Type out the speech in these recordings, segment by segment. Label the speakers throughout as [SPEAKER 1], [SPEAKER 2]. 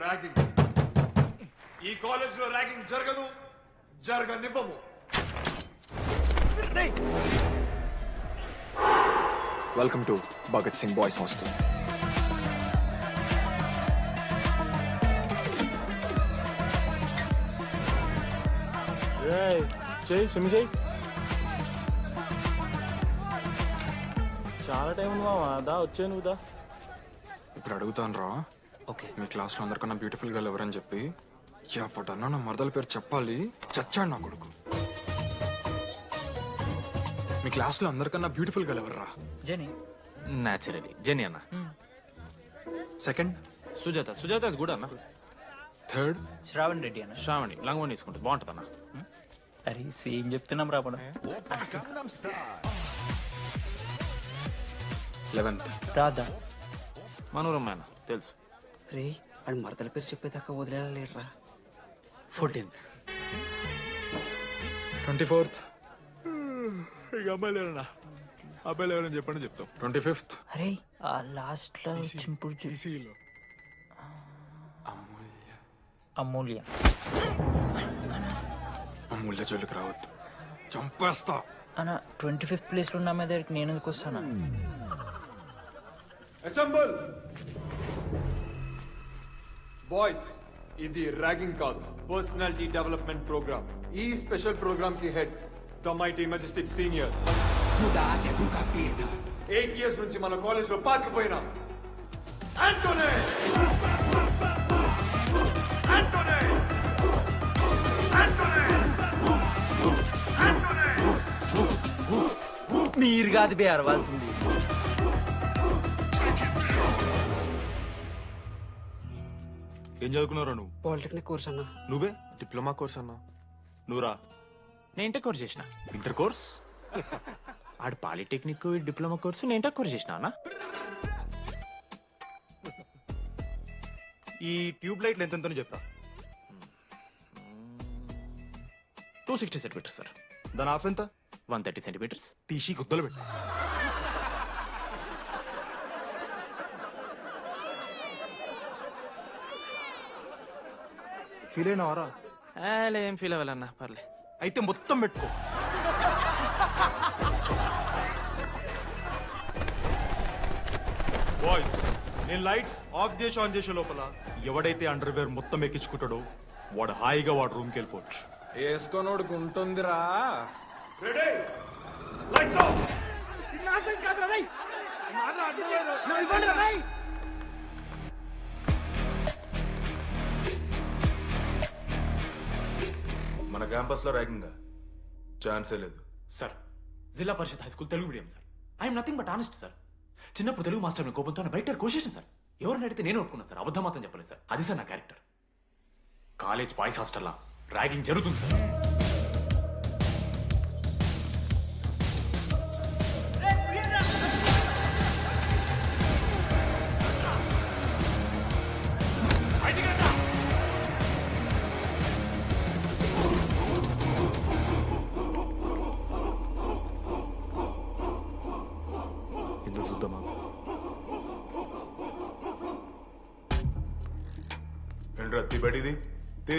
[SPEAKER 1] Ragging. ఈ college లో ragging జరగదు, జరగనివ్వము.
[SPEAKER 2] Welcome to Bhagat Singh boys hostel.
[SPEAKER 3] చాలా టైం ఉంది మావా, దా వచ్చే నువ్వు దా.
[SPEAKER 2] ఇప్పుడు అడుగుతాను రా.
[SPEAKER 4] ఓకే.
[SPEAKER 2] మీ క్లాస్లో అందరికన్నా బ్యూటిఫుల్ గర్ల్ ఎవరని చెప్పి ఎవడన్నా నా మరదల పేరు చెప్పాలి. చచ్చాడు నా కొడుకు. మీ క్లాస్లో అందరికన్నా బ్యూటిఫుల్ గర్ల్ ఎవర్రా?
[SPEAKER 4] జెనీ. న్యాచురలీ జెనీ అన్న.
[SPEAKER 2] సెకండ్
[SPEAKER 4] సుజాత. సుజాత కూడా అన్న.
[SPEAKER 2] థర్డ్
[SPEAKER 5] శ్రావణ్ రెడ్డి అన్న.
[SPEAKER 4] శ్రావణి లంగోని తీసుకుంటుంది, బాగుంటుంది అన్న.
[SPEAKER 5] అరే సేమ్ చెప్తున్నాం రాపడం.
[SPEAKER 2] 11th
[SPEAKER 5] రాధా.
[SPEAKER 4] మనోరమ్మ అన్న తెలుసు.
[SPEAKER 6] రే వాడు మరదల పేరు చెప్పేదాకా వదిలేరా.
[SPEAKER 5] 14th
[SPEAKER 2] 24th
[SPEAKER 3] ఇక అమ్మాయిలు ఎవరన్నా, అబ్బాయిలు ఎవరని చెప్పండి చెప్తాం.
[SPEAKER 2] 25th
[SPEAKER 5] అరే ఆ లాస్ట్ లో చింపుడు అమూల్య.
[SPEAKER 2] అమూల్య జోలికి రావద్దు, చంపేస్తా.
[SPEAKER 5] అన్న 25th ప్లేస్ లో ఉన్న అమ్మాయి దగ్గరికి నేను ఎందుకు వస్తాను?
[SPEAKER 1] Assemble boys. ఇది ర్యాగింగ్ కాదు, పర్సనాలిటీ డెవలప్మెంట్ ప్రోగ్రామ్. ఈ స్పెషల్ ప్రోగ్రామ్ కి head the mighty majestic senior. 8 years నుంచి మన కాలేజ్ లో పాతిపోయిన ఆంటోనీ.
[SPEAKER 5] మీరు కాదు బే అరవాల్సింది.
[SPEAKER 3] ఏం చదువుకున్నారా నువ్వు?
[SPEAKER 6] పాలిటెక్నిక్ కోర్స్ అన్నా.
[SPEAKER 3] నువ్వే డిప్లొమా కోర్స్ అన్నా. నువ్వురా
[SPEAKER 4] నేను ఇంటర్ కోర్స్ చేసిన.
[SPEAKER 3] Inter course.
[SPEAKER 4] ఆడు పాలిటెక్నిక్ డిప్లొమా కోర్సు, నేను ఇంటర్ కోర్స్ చేసిన అన్న.
[SPEAKER 3] ఈ ట్యూబ్ లైట్లు ఎంతెంతనో చెప్తా.
[SPEAKER 4] 260 సెంటీమీటర్స్ సార్.
[SPEAKER 3] దాని ఆఫ్ ఎంత?
[SPEAKER 4] 130 సెంటీమీటర్స్.
[SPEAKER 3] తీసి గుద్దలు పెట్టు. ఫీల్ అయినావారా?
[SPEAKER 4] ఏం ఫీల్ అవ్వాలన్నా, పర్లే.
[SPEAKER 3] అయితే మొత్తం పెట్టుకో. బాయ్స్, నేను లైట్స్ ఆఫ్ చేసి ఆన్ చేసే లోపల ఎవడైతే అండర్వేర్ మొత్తం ఎక్కించుకుంటాడో వాడు హాయిగా వాడు రూమ్కి వెళ్ళిపోవచ్చు.
[SPEAKER 2] వేసుకోనోడుకు ఉంటుందిరా.
[SPEAKER 1] Ready, lights off.
[SPEAKER 7] మన క్యాంపస్ లో ర్యాగింగ్ ఛాన్సే లేదు
[SPEAKER 4] sir, Zilla Parishad high school Telugu medium sir. I'm nothing but honest sir. చిన్నప్పుడు తెలుగు మాస్టర్ కోపంతో బయట కోసేసిన సార్. ఎవరిని అడిగితే నేను ఒప్పుకున్నాను సార్, అబద్ధం మాత్రం చెప్పలేదు సార్. అది సార్ నా క్యారెక్టర్. కాలేజ్ బాయ్స్ హాస్టల్లా ర్యాగింగ్ జరుగుతుంది సార్.
[SPEAKER 3] ఎందుకు చూద్దామా?
[SPEAKER 7] ఏంట్రా తీ బయటిది తీ.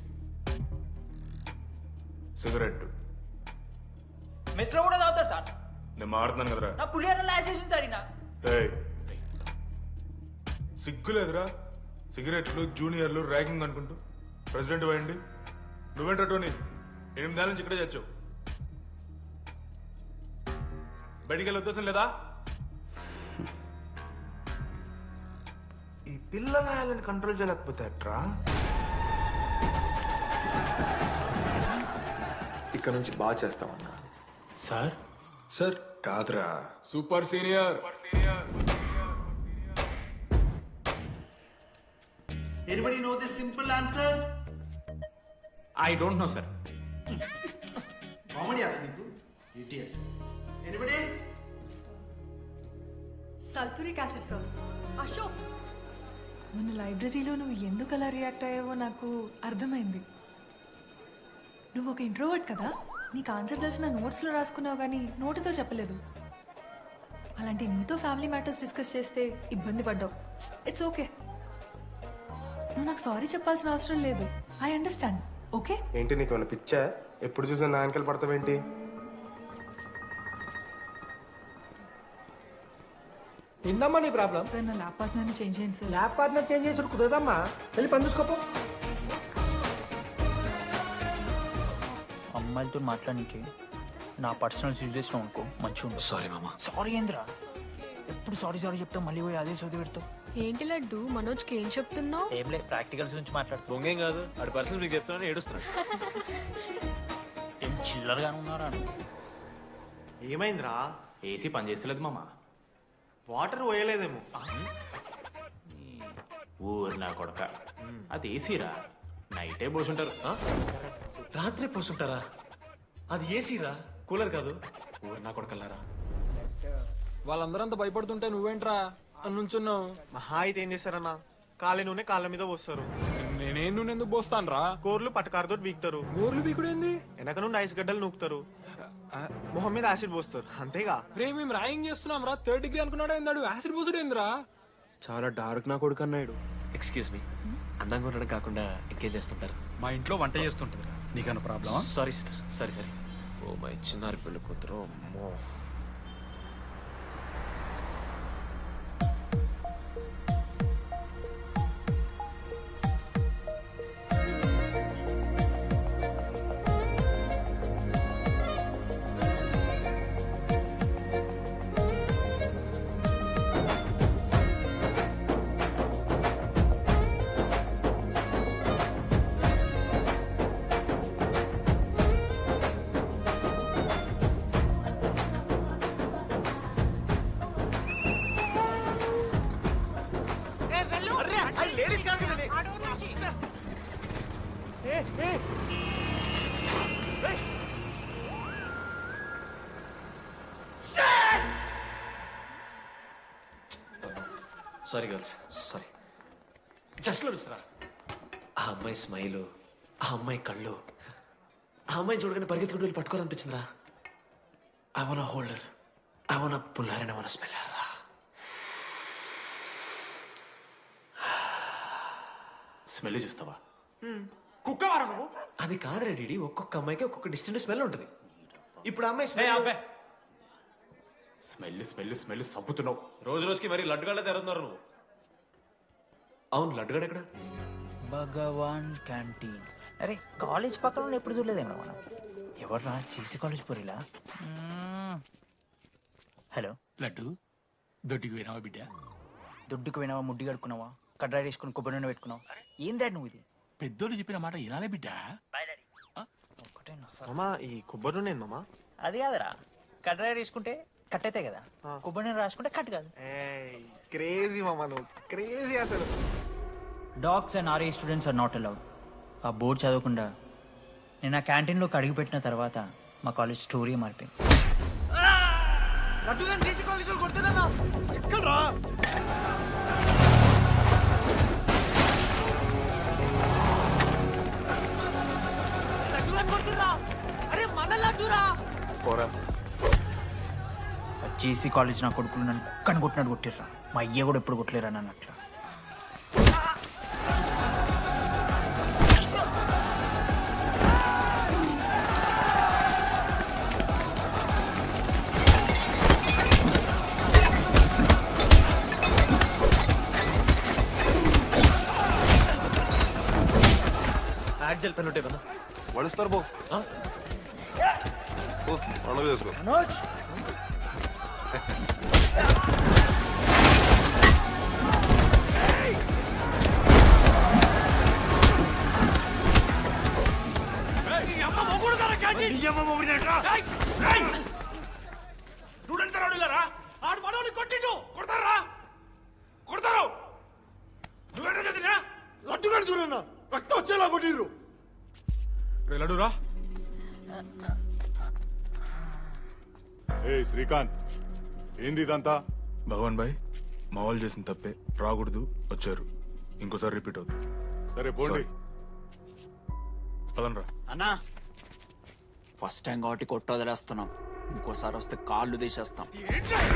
[SPEAKER 7] సిగరెట్
[SPEAKER 5] మెస్ లో కూడా తాగుతారు సార్.
[SPEAKER 7] నేను మాడుతున్నాను కదరా.
[SPEAKER 5] నా పులిహోర లాస్ట్ చేసింది సార్ ఈయన.
[SPEAKER 7] ఏయ్, సిగ్గులేదురా? సిగరెట్లు జూనియర్లు ర్యాగింగ్ అనుకుంటూ ప్రెసిడెంట్ పోయండి. నువ్వేంట్రా టోనీ, 8 నెలల నుంచి ఇక్కడే చచ్చావు. బయటికి వెళ్ళే ఉద్దేశం లేదా? ఈ పిల్లగాయలను కంట్రోల్ చేయలేకపోతే అట్రా.
[SPEAKER 2] ఇక్కడ నుంచి బాగా చేస్తామన్నా.
[SPEAKER 4] సార్
[SPEAKER 2] సార్ కాదురా, super senior.
[SPEAKER 8] Anybody know the simple answer?
[SPEAKER 4] I don't know sir.
[SPEAKER 8] Comedy నీకు idiot. Anybody?
[SPEAKER 9] Sulphuric acid sir. Ashok, మన లైబ్రరీలో నువ్వు ఎందుకు అలా రియాక్ట్ అయ్యావో నాకు అర్థమైంది. నువ్వు ఒక ఇంట్రోవర్ట్ కదా, నీకు ఆన్సర్ తెలిసిన నోట్స్లో రాసుకున్నావు కానీ నోటితో చెప్పలేదు. అలాంటి నీతో ఫ్యామిలీ మ్యాటర్స్ డిస్కస్ చేస్తే ఇబ్బంది పడ్డావు. It's okay. నువ్వు నాకు సారీ చెప్పాల్సిన అవసరం లేదు. I understand. ఓకే?
[SPEAKER 10] ఏంటి నీకు ఏమైనా పిచ్చా? ఎప్పుడు చూసినా నా వెనకాల పడతావేంటి? ఏందమ్మా నీ ప్రాబ్లం?
[SPEAKER 9] సార్ నా ల్యాబ్ పార్ట్నర్ని చేంజ్ చేయండి సార్.
[SPEAKER 10] ల్యాబ్ పార్ట్నర్ చేంజ్ చేసి కుదరదమ్మా. వెళ్ళి పని చూసుకోపో.
[SPEAKER 5] అమ్మాయిలతో మాట్లాడానికి నా పర్సనల్ యూజ్ చేసినావు అనుకో మంచిగా ఉంటుంది.
[SPEAKER 4] సారీ మామా.
[SPEAKER 5] సారీ ఏంద్రా, ఎప్పుడు సారీ సారీ చెప్తావు, మళ్ళీ పోయి అదే సోది పెడతావు.
[SPEAKER 11] ఏంటి లడ్డు మనోజ్కి ఏం చెప్తున్నావు?
[SPEAKER 5] ఏం లేదు, ప్రాక్టికల్స్ గురించి మాట్లాడుతావు.
[SPEAKER 4] దొంగేం కాదు, ఆడి పర్సనల్ మీకు చెప్తానని ఏడుస్తున్నాడు.
[SPEAKER 5] ఏం చిల్లరగానే ఉన్నారా?
[SPEAKER 3] ఏమైందిరా?
[SPEAKER 4] ఏసీ పని చేస్తలేదు మామా.
[SPEAKER 3] వాటర్ పోయలేదేమో.
[SPEAKER 4] ఊరు నా కొడక, అది ఏసీరా, నైటే పోసుంటారు.
[SPEAKER 3] రాత్రి పోసుంటారా? అది ఏసీరా, కూలర్ కాదు. ఊరు నా కొడకల్లారా.
[SPEAKER 2] వాళ్ళందరంతా భయపడుతుంటే నువ్వేంట్రా అని నుంచున్నావు?
[SPEAKER 3] మహా అయితే ఏం చేస్తారన్నా, కాళ్ళ నూనె కాళ్ళ మీద పోస్తారు.
[SPEAKER 2] నేనేం నువ్వు ఎందుకు పోస్తాను రా?
[SPEAKER 3] కోర్లు పట్టకారుతో బీకుతారు.
[SPEAKER 2] గోర్లు బీకుడేంది?
[SPEAKER 3] వెనక నుండి ఐస్ గడ్డలు నూకుతారు. మొహం మీద యాసిడ్ పోస్తారు, అంతేగా.
[SPEAKER 2] రే మేము ర్యాగింగ్ చేస్తున్నాం రా. 3rd డిగ్రీ అనుకున్నాడు ఏందాడు? యాసిడ్ పోసుడేంద్రా?
[SPEAKER 10] చాలా డార్క్ నా కొడుకు అన్నాడు.
[SPEAKER 4] ఎక్స్క్యూజ్ మీ, అందంగా ఉండడం కాకుండా ఇంకేం చేస్తుంటారు?
[SPEAKER 3] మా ఇంట్లో వంట చేస్తుంటారా? నీకన్నా ప్రాబ్లమా?
[SPEAKER 4] Sorry sister, sorry sorry. Oh my చిన్నారి పెళ్ళి కూతురు, అమ్మో. Sorry girls, sorry. జస్ట్ లో మిస్రా, ఆ అమ్మాయి స్మైలు, ఆ అమ్మాయి కళ్ళు, ఆ అమ్మాయిని చూడగానే పరిగెత్తుకుంటూ వెళ్ళి పట్టుకోవాలనిపించిందిరా. I want holder, I want puller and I want smell రా. స్మెల్ చూస్తావా? కుక్కవారా నువ్వు? అది కాదురా డీడీ, ఒక్కొక్క అమ్మాయికి ఒక్కొక్క డిస్టెంట్ స్మెల్ ఉంటుంది. ఇప్పుడు అమ్మాయి స్మెల్ స్మెల్ స్మెల్ స్మెల్ సబ్బుతున్నావు. రోజు రోజుకి మరి లడ్డుగాళ్ళ తెరుతున్నారు నువ్వు. అవును, లడ్డుగాడు ఎక్కడ?
[SPEAKER 5] భగవాన్ క్యాంటీన్. అరే కాలేజ్ పక్కన ఎప్పుడు చూడలేదేమో మనం. ఎవర్రా చేసి కాలేజ్ పోరిలా? హలో
[SPEAKER 8] లడ్డు, దొడ్డికి పోయినావా బిడ్డ?
[SPEAKER 5] దుడ్డుకు పోయినావా, ముడ్డి కడుక్కున్నావా, కడ్రాయి వేసుకుని కొబ్బరి నూనె పెట్టుకున్నావా? ఏం డాడ్ నువ్వు ఇది?
[SPEAKER 8] పెద్దోళ్ళు చెప్పిన మాట వినాలే బిడ్డ.
[SPEAKER 5] ఒక్కటేనా సార్?
[SPEAKER 3] మామా, ఈ కొబ్బరి నూనె ఏంది మామా?
[SPEAKER 5] అది కాదురా, కడ్రాయి వేసుకుంటే కట్ అవుతాయి కదా, కొబ్బరి నూనె రాసుకుంటే కట్ కాదు.
[SPEAKER 3] క్రేజీ మామా, నువ్వు క్రేజీ అసలు.
[SPEAKER 5] Dogs and RA students are not allowed. ఆ బోర్డు చదవకుండా నేను ఆ క్యాంటీన్లోకి అడుగుపెట్టిన తర్వాత మా కాలేజ్ స్టోరీ మారిపోయింది. జేసీ కాలేజ్ నా కొడుకులు నన్ను కుక్కని కొట్టినట్టు కొట్టిర్రా. మా అయ్య కూడా ఎప్పుడు కొట్టలేరా నన్ను అట్లా.
[SPEAKER 4] యాడ్జల్ పెన్ ఉంటే
[SPEAKER 7] వడుస్తారు బో పండుగ చేసుకో.
[SPEAKER 3] లడ్డురా.
[SPEAKER 7] ఏ శ్రీకాంత్, ఏంది ఇదంతా? భగవాన్ భాయ్, మా వాళ్ళు చేసిన తప్పే, రాకూడదు, వచ్చారు, ఇంకోసారి రిపీట్ అవుతుంది. సరే పోండి, పదండ్రా.
[SPEAKER 6] అన్నా ఫస్ట్ టైం కాబట్టి కొట్టు వదిలేస్తున్నాం, ఇంకోసారి వస్తే కాళ్ళు తీసేస్తాం.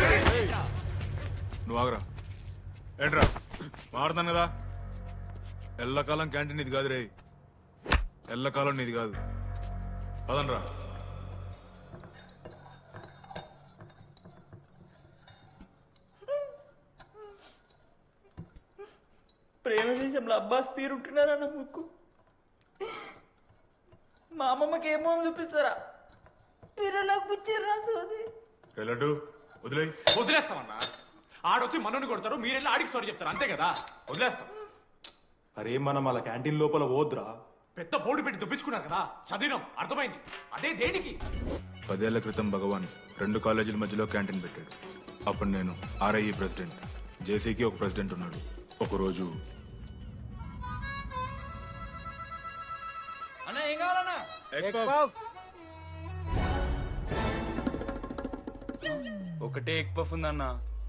[SPEAKER 7] నువ్వు ఆగరా. ఏంట్రా మారుతాను కదా, ఎల్లకాలం క్యాంటీన్ ఇది కాదు రే, ఎల్లకాలం నీది కాదు. పదనరా.
[SPEAKER 6] ప్రేమ దేశంలో అబ్బాస్ తీరుంటున్నారా నా ముక్కు? మా అమ్మమ్మకి ఏమో చూపిస్తారా? పిల్లలకు పుచ్చిర్రా సోది.
[SPEAKER 7] లడ్డు వదిలే.
[SPEAKER 4] వదిలేస్తామన్నా. ఆడొచ్చి మనోని కొడతారు, మీరెళ్ళి ఆడికి సారీ చెప్తారు, అంతే కదా? వదిలేస్తాం.
[SPEAKER 3] అరే మనం అలా క్యాంటీన్ లోపల పోద్రా.
[SPEAKER 4] పెద్ద బోర్డు పెట్టి దుబ్బించుకున్నారు కదా, చదివినాం, అర్థమైంది. అదే దేనికి?
[SPEAKER 7] 10 ఏళ్ల క్రితం భగవాన్ 2 కాలేజీల మధ్యలో క్యాంటీన్ పెట్టాడు. అప్పుడు నేను ఆర్ఐఈ ప్రెసిడెంట్, జేసీకి ఒక ప్రెసిడెంట్ ఉన్నాడు. ఒకరోజు
[SPEAKER 6] అన్న ఏం కావాలన్నా? ఒకటే ఎగ్ పఫ్ ఉందన్నా.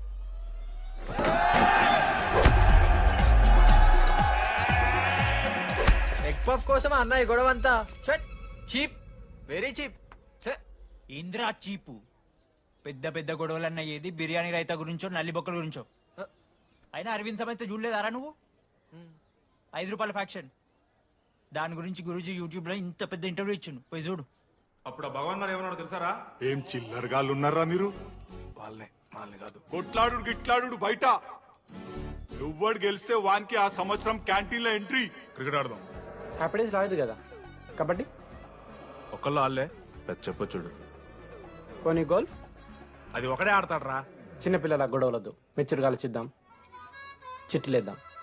[SPEAKER 10] ఎగ్ పఫ్ కోసం అన్న ఈ గొడవ అంతా చీప్, వెరీ చీప్.
[SPEAKER 5] ఇంద్రా చీపు. పెద్ద పెద్ద గొడవలన్న ఏది బిర్యానీ రైతా గురించో నల్లి బొక్కల గురించో. అయినా అరవింద్ సమేత చూడలేదారా నువ్వు? 5 రూపాయల ఫ్యాక్షన్ దాని గురించి గురూజీ యూట్యూబ్ లో ఇంత పెద్ద ఇంటర్వ్యూ ఇచ్చిండు, పోయి చూడు.
[SPEAKER 3] అప్పుడు ఆ భగవాన్ గారు ఏమన్నాడు తెలుసారా?
[SPEAKER 7] ఏం చిల్లరగాళ్ళు ఉన్నారా మీరు? వాళ్ళనే వాళ్ళని కాదు.
[SPEAKER 12] కొట్లాడు గిట్లాడు బయట. నువ్వడు గెలిస్తే వానికి ఆ సంవత్సరం క్యాంటీన్ లో ఎంట్రీ.
[SPEAKER 7] క్రికెట్ ఆడదాం.
[SPEAKER 10] హ్యాపీడేస్ రాలేదు కదా. కబడ్డీ
[SPEAKER 7] ఒకళ్ళు ఆడలే, పెద్ద చెప్పొచ్చుడు.
[SPEAKER 10] కొన్ని గోల్.
[SPEAKER 3] అది ఒకడే ఆడతాడు రా.
[SPEAKER 10] చిన్నపిల్లల గొడవలొద్దు, మెచ్యూర్గా ఆలోచిద్దాం, చిట్టిలేద్దాం.